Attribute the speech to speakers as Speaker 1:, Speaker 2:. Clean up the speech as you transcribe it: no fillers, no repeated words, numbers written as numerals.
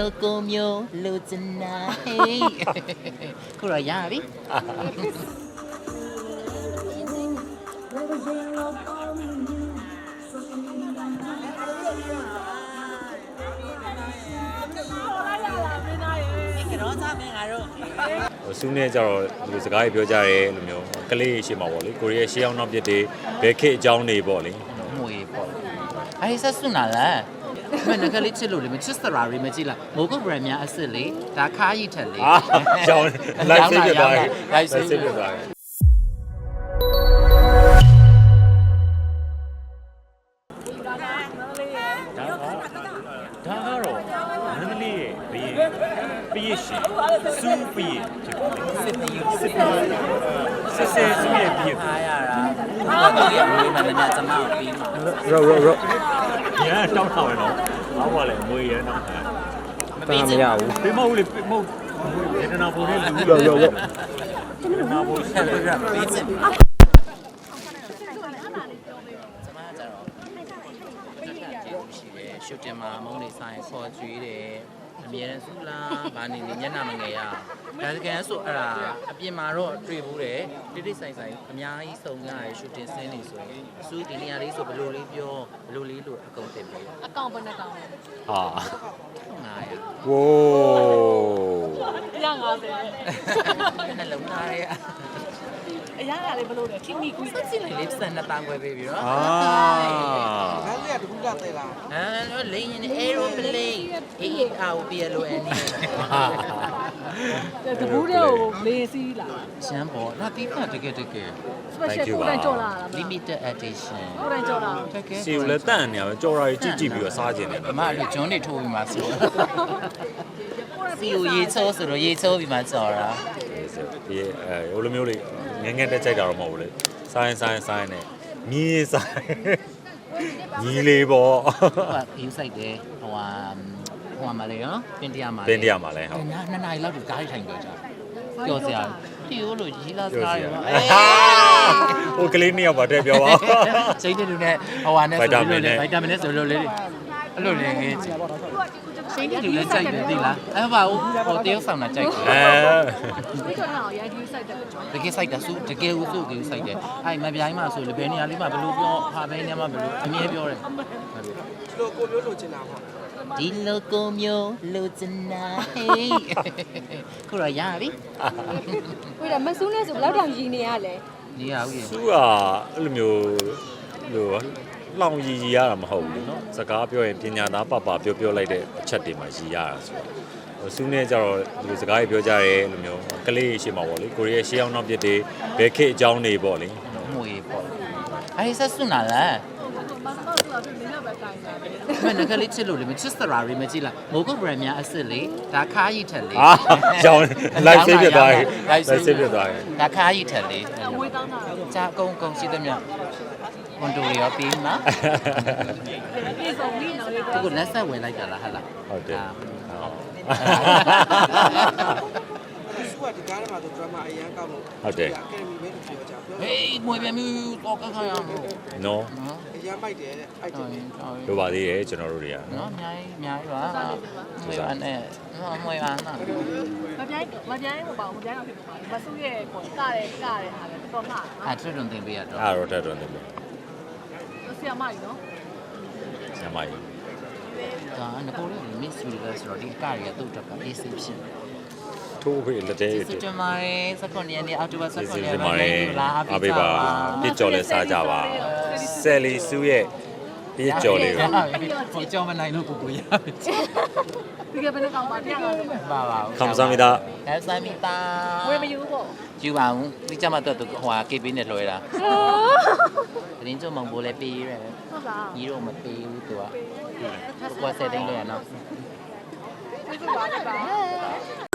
Speaker 1: ကိုမျိုးလူချင်နာဟေးခုတော့ရပြီကတော့သားမင်းကတော့
Speaker 2: ဆူးနေကြတော့ဒီလိုစကားကြီးပြောကြရဲလို့မျိုးကလေးရှေ့မှာပေါ့လေကိုရီးယားရှေ့အောင်နောက်ပြစ်တွေဘယ်ခေတ်အကြောင်းတွေပေါ့လေ
Speaker 1: မွေပေါ့အဲ့ဆက်စွနာလားမင်းငါကလေးချစ်လို့လေမချစ်စရာရီမကြည့်လားမိုးကုတ်ဘရန်များအစ်စ်လေဒါခါးရီထက်လေ
Speaker 2: ကြောင်းလိုက်ဆေးပြသွားတယ်လိုက်ဆေးပြသွားတယ်ဒါကတော့နန္ဒလေးရဲ့ဘီးရှိစူးဘီးဖြစ်ပါတယ်
Speaker 1: စစ်တီး
Speaker 2: စစ်စူးရဲ့ဘီး
Speaker 1: အားရတာဘာလို့လဲမင်းမင်းကျမကိုပြီးမှာ
Speaker 2: ရောရန်တောင်းထားမယ်နော်ဘာပါလဲငွေရန်တောင်းထား
Speaker 1: မပြီးချင်ဘူး
Speaker 2: ပေးမဟုတ်လေမဟုတ်ဒေသနာပုံနဲ့လူရောဒေသနာပုံ
Speaker 1: ဆက်ပြီးတော့ပြီးချင်ကျမကတော့ရှိတယ်ရှုတင်မှာမုန်းနေဆိုင်ခေါ်ကြွေးတယ်အမြဲတမ်းဆူလားဘာနေနေညနာမငယ်ရဒါစကန်ဆိုအဲ့ဒါအပြင်မှာတော့တွေ့ဘူးတယ်တိတိဆိုင်ဆိုင်အများကြီးစုံကြရရှုတင်ဆင်းနေဆိုရင်အဆူဒီနေရာလေးဆိုဘယ်လိုလေးပြောဘယ်လိုလေးလို့အကုန်တင်ပေး
Speaker 3: အကောင့်ဘယ်နှကောင်လဲ
Speaker 2: ဟာ
Speaker 1: 900
Speaker 2: ဝိုး
Speaker 3: 150
Speaker 1: နှလုံးသားရဲ့
Speaker 3: အရာကလည်းဘလို့လဲခိမိကူ
Speaker 1: ဆက်ကြည့်လိုက်လေးစံနှစ်တောင်ခွဲပေးပြီးတော့
Speaker 2: အာ
Speaker 4: ငါလေးကတကူကသေးလား
Speaker 1: အဲလိန်ရင် aeroplane AEROPLON
Speaker 3: တဘူးတဲ့ကိုလေစီးလာ
Speaker 1: ရှမ်းပေါ်ဒါတိကျတကယ်
Speaker 3: special ကိုယ်တိုင်ကြော်လာတာမလား
Speaker 1: limited edition
Speaker 3: ကိုယ်တိုင်ကြော်လာ
Speaker 1: တကယ်
Speaker 2: စီကိုလည်းတန့်နေရပဲကြော်ရာကြီးကြည့်ပြီးတော့စားခြင်းတယ်
Speaker 1: အမတို့ဂျွန်းတွေထိုးပြီးမှဆိုစီကိုရေချိုးဆိုတော့ရေချိုးပြီးမှကြော်တာ
Speaker 2: ဒီဟိုလိုမျိုးလေးငငယ်တက်ကြိုက်တာတော့မဟုတ်ဘူးလေဆိုင်းနဲ့မြည်ဆိုင်ညီလေးပေါ့
Speaker 1: ဟိုကယူဆိုင်တယ်ဟိုမှာလေနော်ပင်တရားမှာ
Speaker 2: တင်းတရားမှာလဲဟုတ်
Speaker 1: နှစ်နာရီလောက်ဒီကားထိုင်ကြကြပြောစရာဖြီးလို့ရီလာစားရပါ
Speaker 2: ဟိုကလေးနှစ်ယောက်ပါတဲ့ပြောပါ
Speaker 1: စိတ်တူနဲ့ဟိုဟာနဲ့ဆိုလို့လေဗိုက်တာမင်နဲ့ဆိုလို့လေအဲ့လိုလေစိတ်တူနဲ့ကြိုက်တယ်သိလားအဲ့ပါဟိုတယောက်ဆောင်တာကြိုက်တယ်
Speaker 3: ဒီကြော်လာရိုက်ကူးစိုက်တယ်
Speaker 1: တကယ်စိုက်တာစုတကယ်ဦးစုကိုစိုက်တယ်အဲ့မပြိုင်းမှဆိုလေဘယ်နေရာလေးမှာဘယ်လိုပြောဟာဘယ်နေရာမှာဘယ်လိုအမြဲပြောတယ်
Speaker 4: လိုကိုမျိုးလိုချင်တာပေါ့
Speaker 1: ဒီလိုကိုမျိုးလူချင်နာဟေးခုတော့ရပြီ
Speaker 3: ဝေးတယ်မဆူးနဲ့ဆိုဘယ်လောက်တောင်ရည်နေရလဲ
Speaker 1: နေရဦးရေ
Speaker 2: သူကအဲ့လိုမျိုးလို့လောင်ရည်ရတာမဟုတ်ဘူးเนาะစကားပြောရင်ပညာသားပပပြောလိုက်တဲ့အချက်တွေမှာရည်ရတာဆိုတော့ဆူးနေကြတော့ဒီလိုစကားကြီးပြောကြရဲလို့မျိုးကလေးရှေ့မှာပေါ့လေကိုရီးယားရှေ့အောင်နောက်ပြစ်တွေဘယ်ခေတ်အကြောင်းတွေပေါ့လေ
Speaker 1: မွေပေါ့အဲ့ဆက်စွနာလား
Speaker 3: မမဆိုတာပြင်းရပဲတိုင်တာပဲ
Speaker 1: မင်းငါကလေးချစ်လို့လေမချစ်စရာရီမကြည့်လားမိုးကုတ်ဘရန်များအစ်စ်လေဒါခါးရီထက်လေ
Speaker 2: အာကြောင်းလိုက်ဆေးပြသွားတယ်လိုက်ဆေးပြသွားတယ်
Speaker 1: ဒါခါးရီထက်လေ
Speaker 3: အမွေးတောင်းတာ
Speaker 1: ကြာအကုန်ရှိသမျှဝန်တိုရောပြီးမှာ
Speaker 3: ပြေဆုံးပြီးနော်လေ
Speaker 1: သူကလက်ဆက်ဝင်လိုက်တာလားဟာလား
Speaker 2: ဟုတ်တယ်
Speaker 4: သူကဒီကားထဲမှာသူ drama အရန်ကောက်လို့
Speaker 2: ဟုတ်တယ်
Speaker 4: အကယ်ဒမီပဲလို့ပြောကြပြော
Speaker 1: ဟေးမွေပြန်ပြီးတော့ကခါရအောင်
Speaker 2: နော်
Speaker 1: နော်
Speaker 4: အရန်ပိုက်တယ်တဲ့အဲ့ဒါ
Speaker 2: လိုပါသေးတယ်ကျွန်တော်တို့တွေက
Speaker 1: နော်အများကြီးပါမွေပါနဲ့မွေပါနော်
Speaker 3: မပြိုင်းဟိုပါမပြိုင်းတော့ဖြစ်ပါမဆူးရဲ့ကိုကတဲ့ဟာလည်းတော်မှာ
Speaker 1: အဲ့ထွတ်တွန်တင်ပေးရတော့
Speaker 2: အဲ့တော့တက်တော့နေပြီ
Speaker 3: ဆရာမကြီးနော်
Speaker 2: ဆရာမကြီး
Speaker 1: ဒါငကိုလေး Miss Universe ဆိုတော့ဒီကားရတော့တော့အေးစိဖြစ်
Speaker 2: ထိုးခွေလက်သေး
Speaker 1: စစ်တမိုင်းစကွန်ရက်နေ့အောက်တိုဘာစ
Speaker 2: စစ်
Speaker 1: ကွန်
Speaker 2: စစ်
Speaker 1: ရက်
Speaker 2: မာရဲအားပေးပါပြစ်ကြော်လဲစားကြပါဆယ်လီစုရဲ့ပြစ်ကြော်လေးကို
Speaker 1: ဟိုကြောင်းမနိုင်လို့ကိုရပြီ
Speaker 3: ဒီကဘယ်နှကောင်ပါတရားပါလဲ
Speaker 1: ပါပါ
Speaker 2: ခမ်ဆာမီတာ
Speaker 1: အဲဆမ်မီတာ
Speaker 3: ဝေးမယူပေါ့
Speaker 1: ယူပါဦးဒီကြမှာတော့ဟိုဟာ KB နဲ့လွှဲတာတင်းချုံမုံဘိုးလည်းပေးရဲ
Speaker 3: ဟုတ်လား
Speaker 1: ညီတော့မပေးဘူးသူကကိုယ်ဆက်တိုင်းလဲရနော်
Speaker 3: ဒီကပါပါ